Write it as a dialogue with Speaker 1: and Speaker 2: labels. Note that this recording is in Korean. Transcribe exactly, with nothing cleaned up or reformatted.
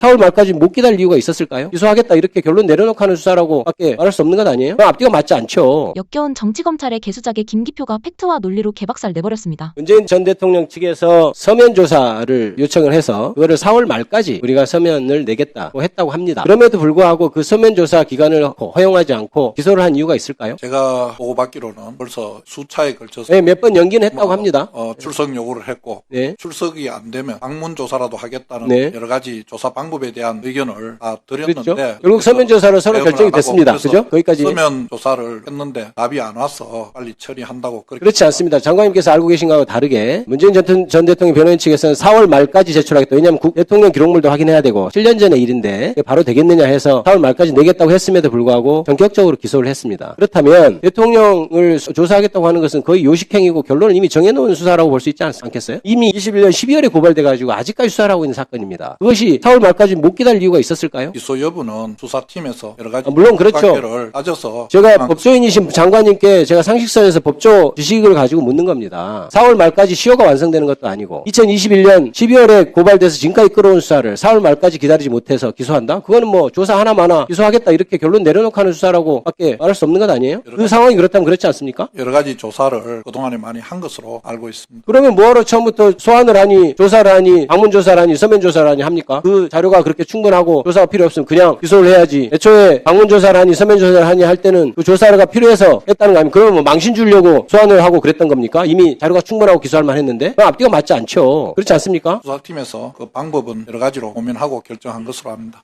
Speaker 1: 사월 말까지 못 기다릴 이유가 있었을까요? 기소하겠다 이렇게 결론 내려놓고 하는 수사라고 밖에 말할 수 없는 것 아니에요? 그럼 앞뒤가 맞지 않죠.
Speaker 2: 역겨운 정치검찰의 개수작에 김기표가 팩트와 논리로 개박살 내버렸습니다.
Speaker 1: 문재인 전 대통령 측에서 서면 조사를 요청을 해서 그거를 사월 말까지 우리가 서면을 내겠다고 했다고 합니다. 그럼에도 불구하고 그 서면 조사 기간을 허용하지 않고 기소를 한 이유가 있을까요?
Speaker 3: 제가 보고받기로는 벌써 수차에 걸쳐서
Speaker 1: 네, 몇 번 연기는 했다고
Speaker 3: 뭐,
Speaker 1: 합니다.
Speaker 3: 어, 출석 요구를 했고
Speaker 1: 네.
Speaker 3: 출석이 안 되면 방문 조사라도 하겠다는
Speaker 1: 네.
Speaker 3: 여러 가지 조사 방법에 대한 의견을 다 드렸는데
Speaker 1: 그렇죠. 결국 서면 조사로 서로
Speaker 3: 대응을
Speaker 1: 결정이
Speaker 3: 안 하고
Speaker 1: 됐습니다.
Speaker 3: 그래서
Speaker 1: 그죠? 거기까지.
Speaker 3: 서면 조사를 했는데 답이 안 와서 빨리 처리한다고 그렇게
Speaker 1: 그렇지 않습니다. 장관님께서 알고 계신 거하고 다르게 문재인 전, 전 대통령 변호인 측에서는 사월 말까지 제출하겠다. 왜냐하면 국, 대통령 기록물도 확인해야 되고 칠 년 전의 일인데 이게 바로 되겠느냐 해서 사월 말까지 내겠다고 했음에도 불구하고 전격적으로 기소를 했습니다. 그렇다면 대통령을 조사하겠다고 하는 것은 거의 요식행위고 결론을 이미 정해놓은 수사라고 볼 수 있지 않, 않겠어요? 이미 이십일 년 십이월에 고발돼가지고 아직까지 수사를 하고 있는 사건입니다. 그것이 사월 말까지 못 기다릴 이유가 있었을까요?
Speaker 3: 기소 여부는 수사팀에서 여러 가지
Speaker 1: 아, 물론 그렇죠.
Speaker 3: 관계를 따져서
Speaker 1: 제가
Speaker 3: 한-
Speaker 1: 법조인이신 장관님께 제가 상식선에서 법조 지식을 가지고 묻는 겁니다. 사월 말까지 시효가 완성되는 것도 아니고 이천이십일 년 십이월에 고발돼서 지금까지 끌어온 수사를 사월 말까지 기다리지 못해서 기소한다? 그거는 뭐 조사 하나마나 기소하겠다 이렇게 결론 내려놓고 하는 수사라고 밖에 말할 수 없는 것 아니에요? 그 상황이 그렇다면 그렇지 않습니까?
Speaker 3: 여러 가지 조사를 그동안에 많이 한 것으로 알고 있습니다.
Speaker 1: 그러면 뭐하러 처음부터 소환을 하니 조사를 하니 방문조사를 하니 서면조사를 하니 합니까? 그 자료가 그렇게 충분하고 조사가 필요 없으면 그냥 기소를 해야지. 애초에 방문조사를 하니 서면조사를 하니 할 때는 그 조사가 필요해서 했다는 거 아니면 그러면 뭐 망신 주려고 소환을 하고 그랬던 겁니까? 이미 자료가 충분하고 기소할 만 했는데 그럼 앞뒤가 맞지 않죠. 그렇지 않습니까?
Speaker 3: 수사팀에서 그 방법은 여러 가지로 고민하고 결정한 것으로 압니다.